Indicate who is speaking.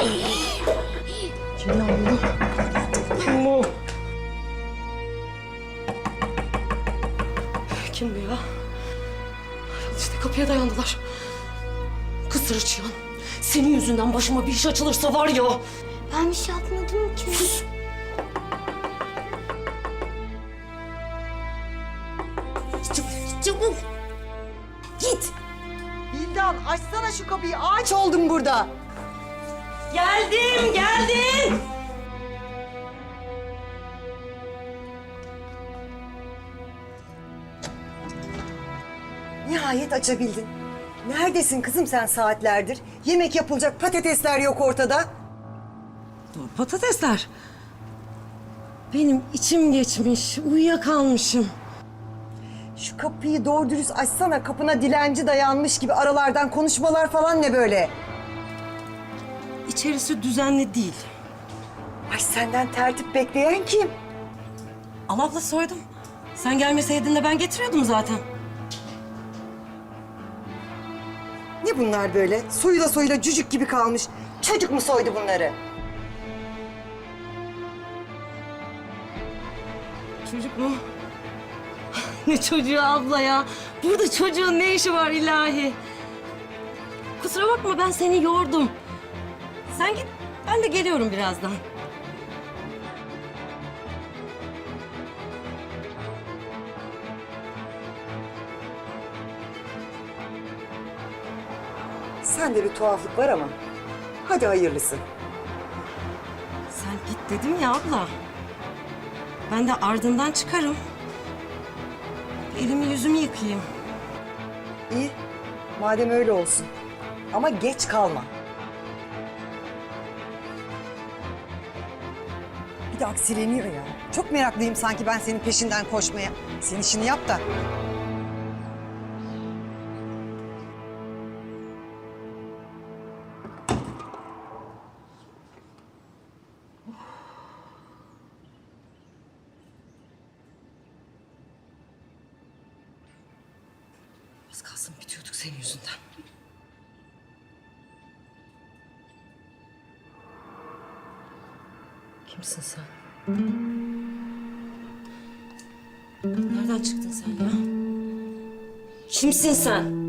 Speaker 1: Kim lan bu? Kim bu? Kim bu ya? İşte kapıya dayandılar. Kız Sırıçıyan, senin yüzünden başıma bir iş açılırsa var ya...
Speaker 2: Ben bir şey yapmadım ki.
Speaker 1: Sus! Çabuk! Git!
Speaker 3: Bildan açsana şu kapıyı. Ağaç oldum burada.
Speaker 1: Geldim!
Speaker 3: Nihayet açabildin. Neredesin kızım sen saatlerdir? Yemek yapılacak patatesler yok ortada.
Speaker 1: Patatesler. Benim içim geçmiş, uyuyakalmışım.
Speaker 3: Şu kapıyı doğru dürüst açsana. Kapına dilenci dayanmış gibi aralardan konuşmalar falan ne böyle?
Speaker 1: İçerisi düzenli değil.
Speaker 3: Ay senden tertip bekleyen kim?
Speaker 1: Al abla soydum. Sen gelmeseydin de ben getiriyordum zaten.
Speaker 3: Ne bunlar böyle? Soyula cücük gibi kalmış. Çocuk mu soydu bunları?
Speaker 1: Çocuk mu? Ne çocuğu abla ya? Burada çocuğun ne işi var ilahi? Kusura bakma ben seni yordum. Sen git, ben de geliyorum birazdan.
Speaker 3: Sende bir tuhaflık var ama. Hadi hayırlısı.
Speaker 1: Sen git dedim ya abla. Ben de ardından çıkarım. Elimi yüzümü yıkayayım.
Speaker 3: İyi. Madem öyle olsun. Ama geç kalma. Bir de aksileniyor ya. Çok meraklıyım sanki ben senin peşinden koşmaya. Sen işini yap da.
Speaker 1: Az kalsın bitiyorduk senin yüzünden. Kimsin sen? Nereden çıktın sen ya? Kimsin sen?